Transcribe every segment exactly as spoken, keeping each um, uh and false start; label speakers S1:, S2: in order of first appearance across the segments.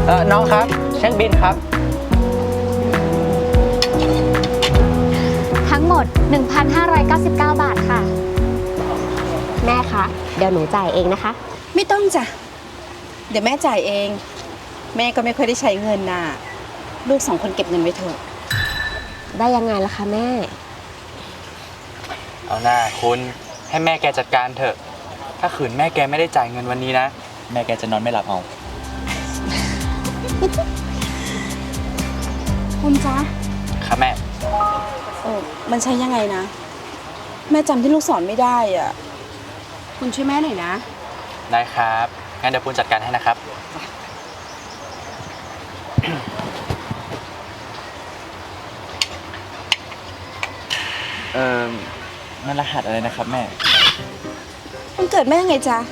S1: เออน้องครับเช็คบิลครับ
S2: ทั้งหมด หนึ่งพันห้าร้อยเก้าสิบเก้า บาทค่ะแม่คะเดี๋ยวหนูจ่ายเองนะคะ
S3: ไม่ต้องจ้ะเดี๋ยวแม่จ่ายเอง แม่ก็ไม่ค่อยได้ใช้เงินน่ะลูกสองคนเก็บเงินไว้เถอะ
S2: ได้ยังไงล่ะคะแม่
S1: เอาหน้าคุณให้แม่แกจัดการเถอะถ้าขืนแม่แกไม่ได้จ่ายเงินวันนี้นะแม่แกจะนอนไม่หลับเอา
S3: คุณจ๊ะ
S1: ครับแม่
S3: เออมันใช้ยังไงนะ แม่จำที่ลูกสอนไม่ได้อ่ะคุณช่วยแม่หน่อยนะ
S1: ได้ครับงั้นเดี๋ยวปุณจัดการให้นะครับเออนั่นรหัสอะไรนะครับแม่
S3: มันเกิดแม่ไงจ๊ะ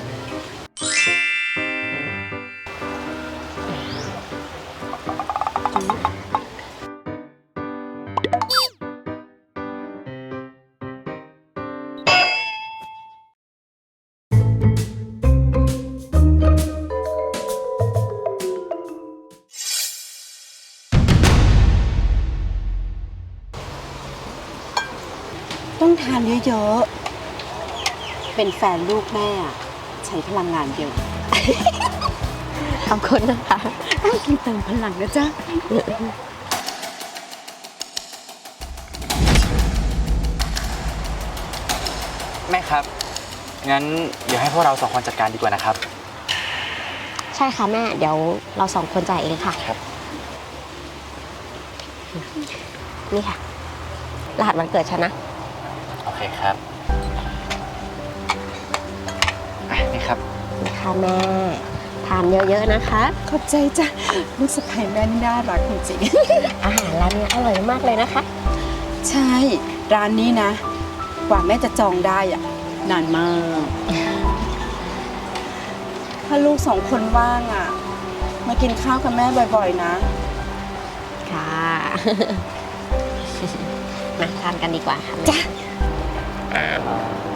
S3: ต้องทานเยอะๆ เป็นแฟนลูกแม่อะใช้พลังงานเยอะ
S2: ขอบคุณนะคะ
S3: ต้องกินเติมพลังนะจ๊ะ
S1: แม่ครับงั้นเดี๋ยวให้พวกเราสองคนจัดการดีกว่านะครับ
S2: ใช่ค่ะแม่เดี๋ยวเราสองคนจ่ายเองค่ะ
S1: ครับ
S2: นี่ค่ะ รหัสวันเกิดฉันนะ
S1: โอเคครับอ่ะนี่ครับ
S2: นี่ค่ะแม่ ทานเยอะๆนะคะ
S3: ขอบใจจ้ะลูกสะใภ้แม่นี่น่ารักจริง
S2: อาหารร้านนี้อร่อยมากเลยนะคะ
S3: ๆ ใช่ ร้านนี้นะ กว่าแม่จะจองได้อ่ะ นานมาก ถ้าลูกสองคนว่างอ่ะ มากินข้าวกับแม่บ่อยๆนะ
S2: ค่ะ มาทานกันดีกว่าค่ะ
S3: จ้ะ
S2: อ่า